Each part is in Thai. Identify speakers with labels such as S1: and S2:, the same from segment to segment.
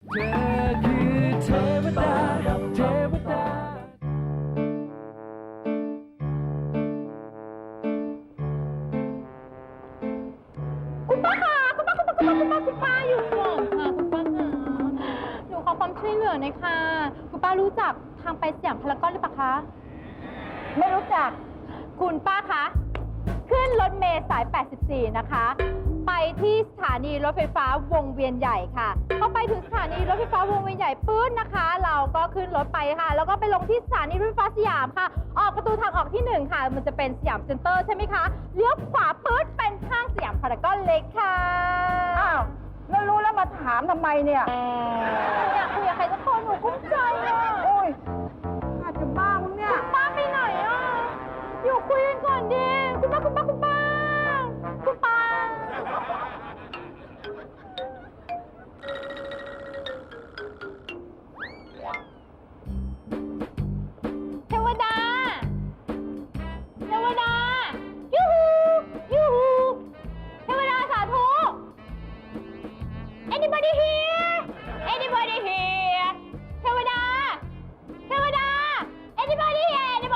S1: เธอคือเทวดาเทวดา
S2: คุณป้าค่ะคุณป้าอยู่ก่อนค่ะคุณป้าค่ะหนูขอความช่วยเหลือหน่อยค่ะคุณป้ารู้จักทางไปสยามพารากอนหรือเปล่าคะไม่รู้จักคุณป้าคะขึ้นรถเมล์สาย 84 นะคะ ไปที่สถานีรถไฟฟ้าวงเวียนใหญ่ค่ะพอไปถึงสถานีรถไฟฟ้าวงเวียนใหญ่ปื้นนะคะ เราก็ขึ้นรถไปค่ะ แล้วก็ไปลงที่สถานีรถไฟฟ้าสยามค่ะ ออกประตูทางออกที่1ค่ะมันจะเป็นสยามเซ็นเตอร์ใช่ไหมคะเลี้ยวขวาปื้นเป็นห้างสยามพารากอนเล็กค่ะ
S3: อ้าวแล้วรู้แล้วมาถามทำไมเนี่ย
S2: อยากคุยกับใครสักคนหนูกุ้มใจอ่ะ
S3: โอ้ยอาจจะบ้ามึงเนี่ย
S2: ป้าไปไหนอ่ะอยู่คุยกันก่อนดิคุณป้าเทวดายูฮูเทวดาสาธุ anybody here เทวดา anybody here เทว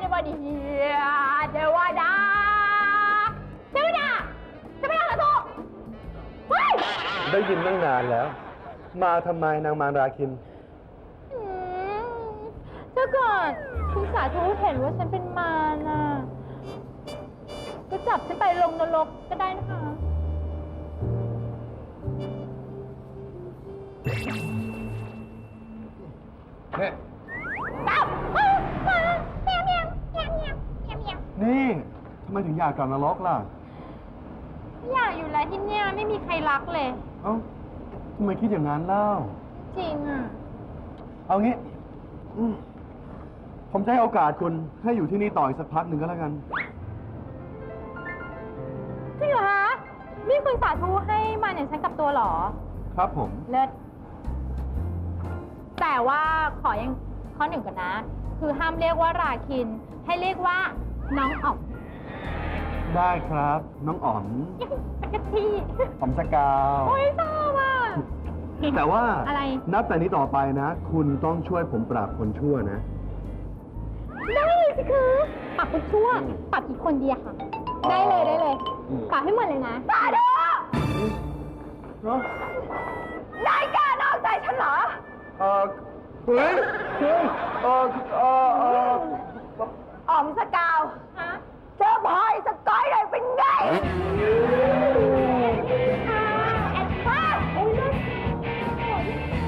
S2: ดาสาธุเฮ้ย
S4: ได้ยินตั้งนานแล้ว มาทำไมนางมารราคิน
S2: ถ้าเกิดคุณสาธุเห็นว่าฉันเป็นมารน่ะก็จับฉันไปลงนรกก็ได้นะคะจับเมียว
S4: นี่ทำไมถึงอยากกลับนรกล่ะ
S2: อยากอยู่แล้วที่เนี่ยไม่มีใครรักเลย
S4: เอ้าทำไมคิดอย่างนั้นเล่า
S2: จริงอ่ะ
S4: เอางี้ผมจะให้โอกาสคุณให้อยู่ที่นี่ต่ออีกสักพักหนึ่งก็แล้วกัน
S2: จริงเหรอคะนี่คุณสาธุให้มาอย่างฉันกลับตัวเหรอ
S4: ครับผม
S2: เลิศแต่ว่าขอยังข้อหนึ่งก่อนนะ คือห้ามเรียกว่าราคิน ให้เรียกว่าน้องอ๋อม
S4: ได้ครับ น้องอ๋อม
S2: ตะกะที่
S4: อ๋อมสกาว
S2: โอ้ยชอบอ่ะ
S4: แต่ว่า
S2: อะไร
S4: นับแต่นี้ต่อไปนะ คุณต้องช่วยผมปราบคนชั่วนะ
S2: ได้เลยสิคือปรับเป็นช่วงปรับกี่คนดีอะค่ะ ได้เลยปรับให้หมดเลยนะสาธุนายกล้านอกใจฉันเหรอ
S4: เฮ้ย
S3: อ๋อมสกาว
S2: ฮะ
S3: เจอพลอยสกอยเลยเป็นไง
S2: แอนฟ้าโอ้ยเลิศ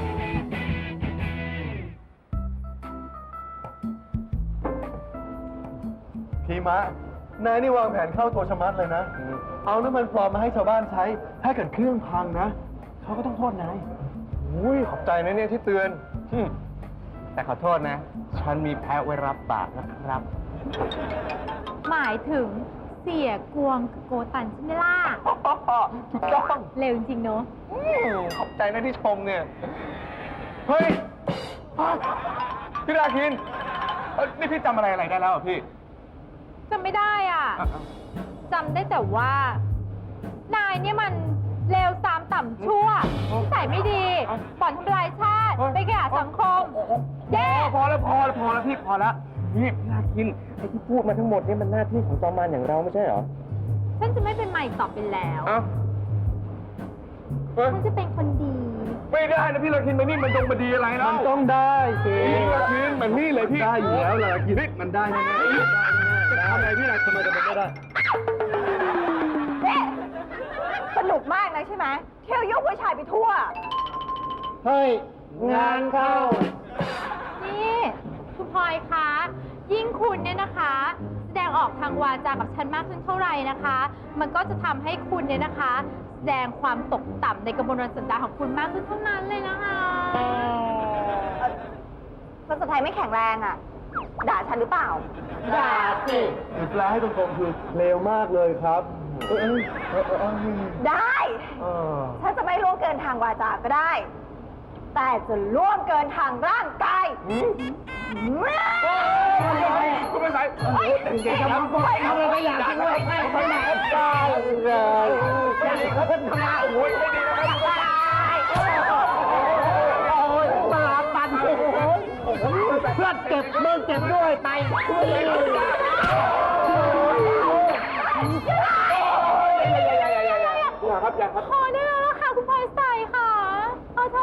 S4: พีมะ นายนี่วางแผนเข้าตัวชะมัดเลยนะ เอาน้ำมันปลอมมาให้ชาวบ้านใช้ ถ้าเกิดเครื่องพังนะ เขาก็ต้องโทษนายอุ้ยขอบใจนะเนี่ยที่เตือน
S5: แต่ขอโทษนะ ฉันมีแพ้ไว้รับปากนะครับ
S2: หมายถึงเสียกวงกับโกตันใช่ไหมล่ะ
S5: ถูกต้อง
S2: เร็วจริงๆเนอะ
S5: ขอบใจนะที่ชมเนี่ย เฮ้ยพี่ราคินนี่พี่จำอะไรได้แล้วอ่ะพี่
S2: จำไม่ได้อ่ะ จำได้แต่ว่า นายเนี่ยมันเลวทรามต่ำชั่วนิสัยไม่ดีบ่อนทำลายชาติ ไปแก่สังคมแย่
S5: พอแล้วพี่พอแล้วนี่พี่ราคินไอ้ที่พูดมาทั้งหมดนี่มันหน้าที่ของจอมมารอย่างเราไม่ใช่เหรอ
S2: ฉันจะไม่เป็นใหม่ต่อไปแล้ว
S5: เอ้าเฮ้ย
S2: ฉันจะเป็นคนดี
S5: ไม่ได้นะพี่ราคินมันนี่มันตรงมาดีอะไรแล้ว
S4: มันต้องได้สิ
S5: พี่ราคินมันนี่เลยพี่
S4: ได้อยู่แล้วล่ะกินมันได้แน่ๆทำไมพี่นายทำไมจะเป็นไม่ได้
S3: นี่สนุกมากนะใช่ไหมเที่ยวยุผู้ชายไปทั่ว
S4: เฮ้ย งานเข้า
S2: นี่คุณพลอยคะ ยิ่งคุณเนี่ยนะคะ แสดงออกทางวาจากับฉันมากขึ้นเท่าไหร่นะคะ มันก็จะทำให้คุณเนี่ยนะคะ แสดงความตกต่ำในกระบวนการสันดานของคุณมากขึ้นเท่านั้นเลยนะคะ
S3: ภาษาไทยไม่แข็งแรงอ่ะ ด่าฉันหรือเปล่า
S2: ด่าสิ
S4: แปลให้ตรงๆคือเลวมากเลยครับ
S3: ได้ ฉันจะไม่ล่วงเกินทางวาจาก็ได้ แต่จะล่วงเกินทางร่างกาย
S5: คุณเป็นใครเก่งครับไม่อยากกินด้วยไม่อยากกินด้วยโอ้ยไม่ดีนะครับ
S1: เพื่อนเก็บมึงเก็บด้วยไป
S5: อย่าครับอย่าครับ
S2: พอได้แล้วล่ะค่ะคุณพลอยใสค่ะเอาเถอะ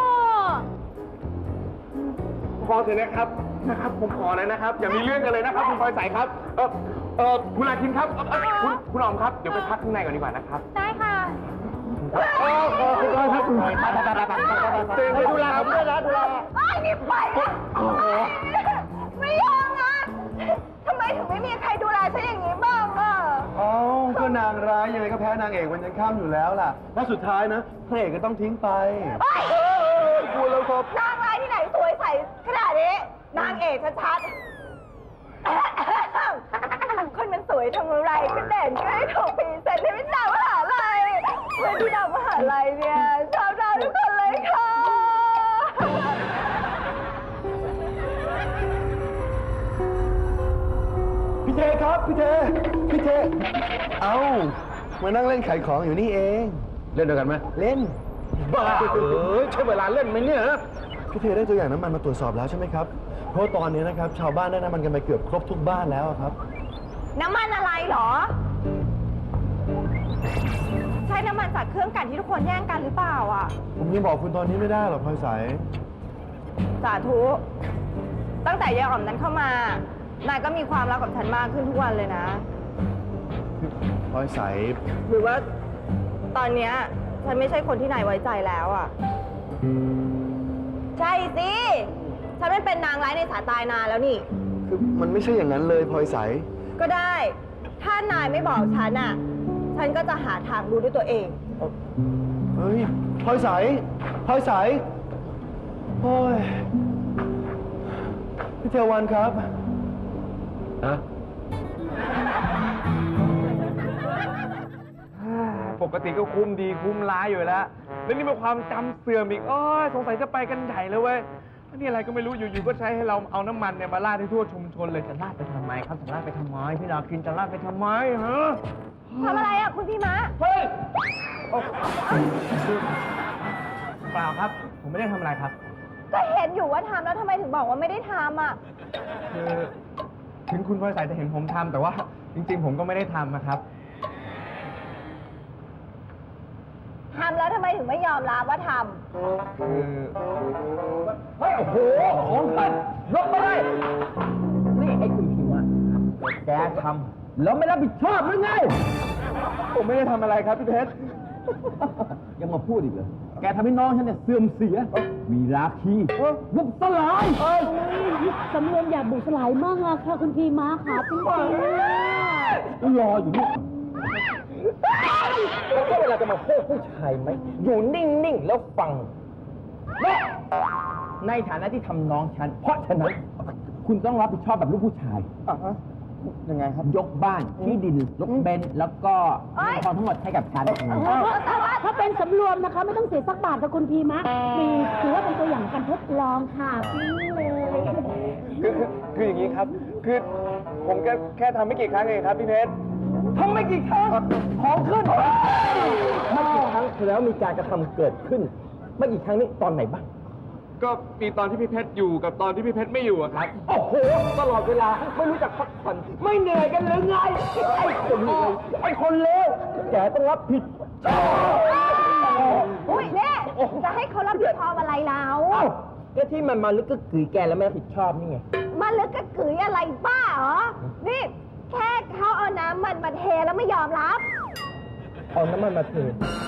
S5: พอเถอะนะครับผมขอแล้วนะครับ อย่ามีเรื่องกันเลยนะครับ คุณพลอยใสครับคุณอาคินครับคุณอ๋อมครับเดี๋ยวไปพักข้างในก่อนดีกว่านะครับ
S2: ได้ค่ะ
S5: คุณพลอยครับคุณพลอยเจนให้ดูแลครับด้วยนะดูแล
S3: ไอ้นี่ไปอะไม่ยอมนะทำไมถึงไม่มีใครดูแลฉันอย่างนี้บ้างอ่ะ
S4: อ๋อก็นางร้ายยังไงก็แพ้นางเอกวันยังข้ามอยู่แล้วล่ะ แล้วสุดท้ายนะพระเอกก็ต้องทิ้งไป
S3: เฮ้ย
S4: กลัวแล้วครับ
S3: นางร้ายที่ไหนสวยใสขนาดนี้ นางเอกชัดๆคนมันสวยทำอะไรก็เด่นก็ได้ถูกพรีเซนต์ให้เป็นดาวมหาลัยเพื่อนที่ดาวมหาลัยเนี่ยชอบดาวทุกคนเลยค่ะ
S4: พี่เทครับพี่เท เอ้ามานั่งเล่นขายของอยู่นี่เอง
S5: เล่นด้วยกันไหม
S4: เล่น
S5: บ้าใช่เวลาเล่นไหมเนี่ย
S4: พี่เทได้ตัวอย่างน้ำมันมาตรวจสอบแล้วใช่ไหมครับ เพราะตอนนี้นะครับชาวบ้านได้น้ำมันกันไปเกือบครบทุกบ้านแล้วอะครับ
S3: น้ำมันอะไรเหรอ ใช้น้ำมันจากเครื่องกลั่นที่ทุกคนแย่งกันหรือเปล่าอ่ะ
S4: ผมยังบอกคุณตอนนี้ไม่ได้หรอกพลอยใส
S3: สาธุ ตั้งแต่ยายอ๋อมนั้นเข้ามา นายก็มีความรักกับฉันมากขึ้นทุกวันเลยนะ
S4: พลอยใส
S3: หรือว่าตอนเนี้ยฉันไม่ใช่คนที่นายไว้ใจแล้วอ่ะ ใช่สิ ฉันไม่เป็นนางร้ายในสายตายนานแล้วนี่
S4: คือมันไม่ใช่อย่างนั้นเลยพลอยใส
S3: ก็ได้ ถ้านายไม่บอกฉันอ่ะ ฉันก็จะหาทางรู้ด้วยตัวเอง
S4: เฮ้ยพลอยใสโอ้ยพี่เทวันครับ
S5: ปกติก็คุ้มดีคุ้มร้ายอยู่แล้วแล้วนี่เป็นความจำเสื่อมอีกสงสัยจะไปกันใหญ่เลยเว้ยนี่อะไรก็ไม่รู้อยู่ๆก็ใช้ให้เราเอาน้ำมันเนี่ยมาราดให้ทั่วชุมชนเลยจะราดไปทำไมครับจะราดไปทำไมพี่ดาวกินจะราดไปทำไมฮะ
S3: ทำอะไรอ่ะคุณพี่มะ
S5: เฮ้ยเปล่าครับ ผมไม่ได้ทำอะไรครับ
S3: ก็เห็นอยู่ว่าทำแล้วทำไมถึงบอกว่าไม่ได้ทำอ่ะ
S5: คือถึงคุณพลอยใสจะเห็นผมทำแต่ว่าจริงๆ ผมก็ไม่ได้ทำนะครับ
S3: ทำแล้วทำไมถึงไม่ยอมรับว่าท
S5: คือ
S1: เฮ้ย โอ้โห ของท่านยกไม่ได้ นี่ไอ้คุณพิมพ์แกทำแล้วไม่รับผิดชอบหรือไง
S5: ผมไม่ได้ทำอะไรครับพี่เพชร
S1: ยังมาพูดอีกเหรอ แกทำให้น้องฉันเนี่ยเสื่อมเสีย มีราคีบุกสลาย
S6: สำรวมอยากบุกสลายมากอะค่ะคุณพีม้าค่ะจริงๆ
S1: รออยู่นี่แล้วก็เวลาจะมาพูดผู้ชายไหม อยู่นิ่ง ๆ แล้วฟังและในฐานะที่ทำน้องฉัน เพราะฉะนั้น คุณต้องรับผิดชอบแบบลูกผู้ชาย
S5: ยังไงครับ
S1: ยกบ้านที่ดินรถเบนซ์แล้วก็เงินทองทั้งหมดให้กับฉัน
S6: ถ้าเป็นสำรวมนะคะ ไม่ต้องเสียสักบาทค่ะคุณพีม้าถือว่าเป็นตัวอย่างการทดลองค่ะพี่เลย
S5: คืออย่างนี้ครับ คือผมแค่ทำไม่กี่ครั้งเองครับพี่เพชร
S1: ทำไม่กี่ครั้งของขึ้นไม่กี่ครั้งแล้วมีการกระทำเกิดขึ้นไม่กี่ครั้งนี้ตอนไหนบ้าง
S5: ก็มีตอนที่พี่เพชรอยู่กับตอนที่พี่เพชรไม่อยู่อะครับ
S1: โอ้โห ตลอดเวลาไม่รู้จักพักผ่อนไม่เหนื่อยกันหรือไง ไอ้คนเลวไอ้คนเลวแกต้องรับผิดชอบ
S3: ำอุ้ยเนี่ยจะให้เขารับผิดชอบอะไรแล้ว
S1: เอ้าก็ที่มันมาลึกก็กือแกแล้วไม่รับผิดชอบนี่ไง
S3: มาลึกกระกืออะไรบ้าเหรอ นี่แค่เขาเอาน้ำมันมาเทแล้วไม่ยอมรับ
S1: เอาน้ำมันมาเท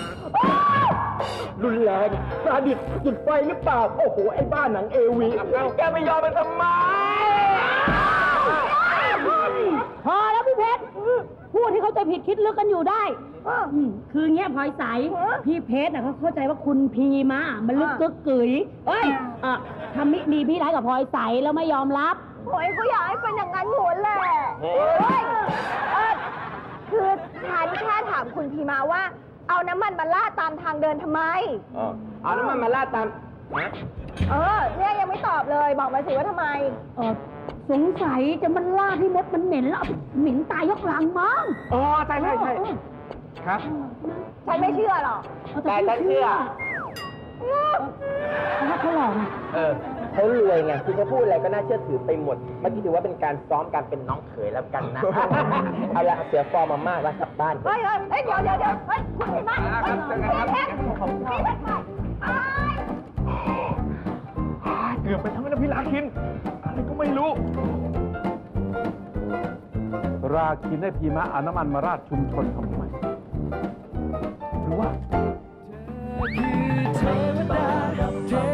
S1: รุนแรงซาดิสจุดไฟหรือเปล่า โอ้โห ไอ้บ้านหนังเอวีแกไม่ยอมมันทำไม
S6: พอแล้วพี่เพชรพูดที่เขาใจผิดคิดลึกกันอยู่ได้คือเงี้ยพลอยใสพี่เพชรเขาเข้าใจว่าคุณพีมามันลึกกึกกึ๋ยเอ้ยทำมิดีพี่ร้ายกับพลอยใสแล้วไม่ยอมรับ
S3: โอ้ยกูอยากให้เป็นอย่างนั้นหมดแหละเฮ้ยคือฉันแค่ถามคุณพีมาว่า เอาน้ำมันมาลาดตามทางเดินทำไม
S1: เอาน้ำมันมาลาดตาม
S3: เนี่ยยังไม่ตอบเลย บอกมาสิว่าทำไม
S6: สงสัยจะมันล่าที่มดมันเหม็นแล้วเหม็นตายยกหลังมั้ง
S5: อ๋อ ใช่ครับ
S3: ฉันไม่เชื่อหรอก
S6: แต่ฉันเชื่อเพราะว่าเขาหล่อไง
S1: เขารวยไงคือเขาพูดอะไรก็น่าเชื่อถือไปหมด เมื่อกี้ถือว่าเป็นการซ้อมการเป็นน้องเขยแล้วกันนะ เอาละเสียฟอร์มมามากแล้วกลับบ้าน
S3: เฮ้ยเฮ้ยเดี๋ยวเฮ้ยคุณพี่มาเฮ้ยพี่เพชรพี่เพชรมา
S5: เกือบไปทั้งนั้นนะพี่ลาคิน อะไรก็ไม่รู้
S7: ราคินให้พีมะเอาน้ำมันมาราดชุมชนทำไมหรือว่า
S8: เทวดาเท